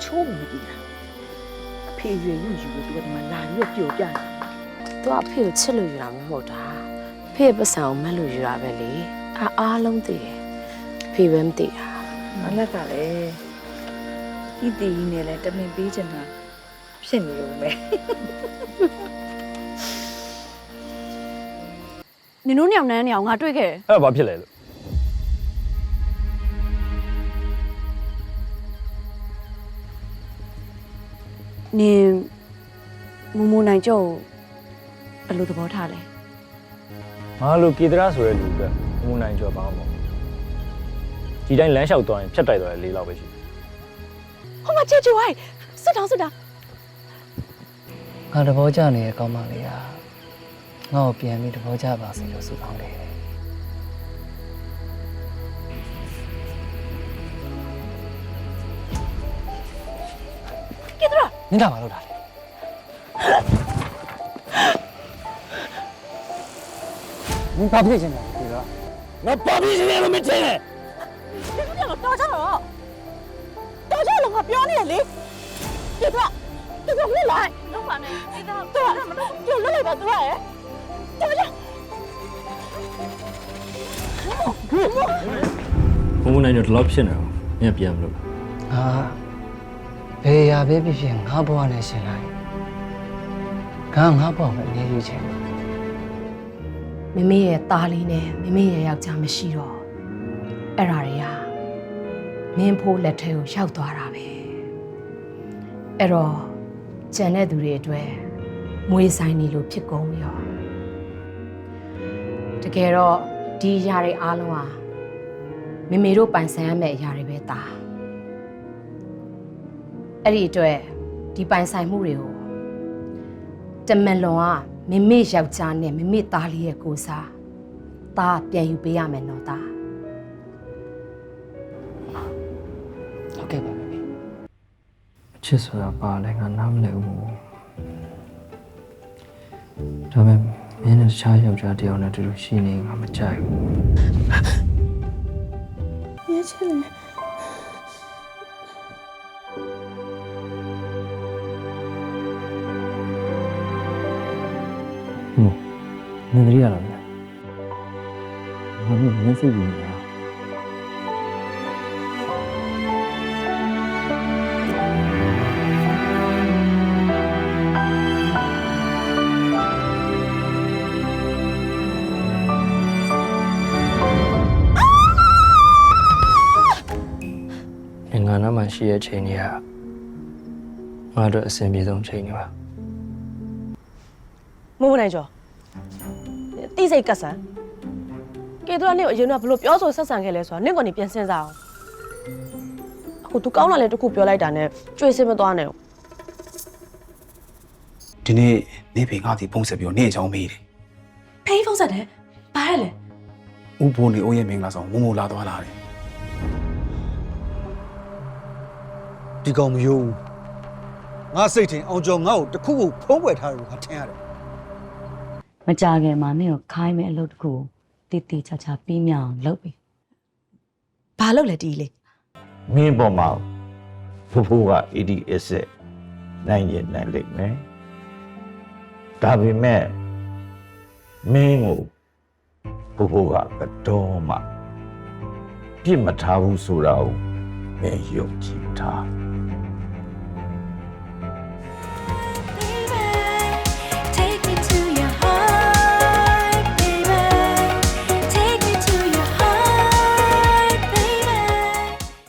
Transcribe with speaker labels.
Speaker 1: ချိုးမသိတာအဖေရွယ်ယူယူလို့သူကဒီမှာလာပြီးတော့ပျော်ပြတယ်
Speaker 2: သူကအဖေကိုချစ်လို့ယူတာမဟုတ်တာအဖေရဲ့ပတ်စံကိုမက်လို့ယူတာပဲလေအားလုံးသိတယ်အဖေပဲမသိတာ
Speaker 1: မလက်ကလည်းဤတီးနဲ့လည်းတမင်ပေးချင်တာဖြစ်နေလို့ပဲ
Speaker 3: နင်တို့ညောင်နှမ်းနေအောင်ငါတွေ့ခဲ့တယ်
Speaker 4: အဲ့ဒါဘာဖြစ်လဲလို့
Speaker 3: နင်မူမူနိုင်ကြောဘယ်လိုသဘောထားလဲ
Speaker 4: ငါလိုကေတရာဆိုတဲ့လူကမူနိုင်ကျော်ပါအောင်ဒီတိုင်းလမ်းလျှောက်သွားရင်ဖြတ်တိုက်သွားတယ်၄လောက်ပဲရှိတယ်
Speaker 3: ဟိုမှာချေချူဟိုင်းစစ်တောင်းစစ်တာ
Speaker 5: ငါတဘောကြနေတဲ့ကောင်းမလေးကငါ့ကိုပြန်ပြီးတဘောကြပါစေလို့ဆုတောင်းတယ်
Speaker 3: ကေတရာ
Speaker 5: နင်ကမလုပ်တာလေ နင်ဘာဖြစ်ချင်လဲဒီတော့
Speaker 4: ငါပါပြီးနေလို့မချင်နဲ့
Speaker 3: ဒီလိုတော့တော်ကြတော့တော်ကြလို့ငါပြောနေရလေကေတရာကေတရာလွတ်လိုက်လုံးပါနဲ့ကေတရာတော်မလို့ပြောလွတ်လိုက်ပါသူရဲ့တော်ကြ
Speaker 4: မူနိုင်ကျော်ဒီလောက်ဖြစ်နေတော့မင်းပြန်မလို့
Speaker 5: ဟာဘယ်ရာပဲဖြစ်ဖြစ်ငါဘဝနဲ့ရှင်လိုက်ငါဘဝမှာအရေးယူချင်တယ်
Speaker 2: မမေရဲ့သားလေးနဲ့မမေရဲ့ယောက်ျားမရှိတော့အဲ့ဓာတွေကမင်းဖိုးလက်ထဲကိုရောက်သွားတာပဲအဲ့တော့ကျန်တဲ့သူတွေအတွက်မွေးဆိုင်နေလို့ဖြစ်ကုန်ရောတကယ်တော့ဒီຢာတွေအားလုံးဟာမမေတို့ပိုင်ဆိုင်ရမယ့်ຢာတွေပဲသားအဲ့ဒီအတွက်ဒီပိုင်ဆိုင်မှုတွေကိုတမန်လွန်ကမမေယောက်ျားနဲ့မမေသားလေးရဲ့ကိုစားသားပြန်ယူပေးရမယ်နော်သား
Speaker 5: ဟုတ်ကဲ့ပါမေ
Speaker 6: အချစ်ဆိုတာပါလဲငါနားမလည်ဘူးဒါပေမဲ့မင်းနဲ့တခြားယောက်ျားတစ်ယောက်နဲ့တူတူရှိနေငါမကြိုက်ဘူး
Speaker 3: ရေချင်လေ
Speaker 6: နင်တည်းရလားငါမင်းမျက်စိကြီးနေတာ ငါနားမှာရှိတဲ့ချိန်တွေကငါတို့အဆင်ပြေဆုံးချိန်တွေပါ
Speaker 7: မမနိုင်ကျော်တိစိတ်ကတ်ဆန်ကေသူကနင့်ကိုအရင်ကဘလို့ပြောဆိုဆက်ဆံခဲ့လဲဆိုတာနင့်ကနေပြန်စဉ်းစားအောင်အခု तू ကောင်းလာလဲတခုပြောလိုက်တာနဲ့ကြွေစင်မသွားနဲ့
Speaker 8: ဒီနေ့နေဖေငါ့ဒီဖုန်းဆက်ပြီးတော့နေအကြောင်းမေးတယ်
Speaker 3: ဖေးဖုန်းဆက်တယ်ဘာလဲလဲ
Speaker 8: ။ဦးဘိုးနေအိုးရဲ့မင်္ဂလာဆောင်မမိုလာသွားလာတယ်
Speaker 9: ဒီကောင်မယုံငါစိတ်ထင်အောင်ကျော်ငါ့ကိုတခုခုဖုံးကွယ်ထားတယ်လို့ငါထင်ရတယ်
Speaker 10: မကြခင်မှာနင့်ကိုခိုင်းမဲ့အလုပ်တစ်ခုကိုတည်တည်ချာချာပြီးမြောင်လုပ်ပြီ
Speaker 3: ဘာလုပ်လဲတီးလေး
Speaker 11: မင်းပေါ်မှာဖိုးက ADS နိုင်ရင်နိုင်လိမ့်မယ်ဒါပေမဲ့မင်းကိုဖိုးကတော့မှပြစ်မထားဘူးဆိုတာကိုမင်းယုံကြည်ထား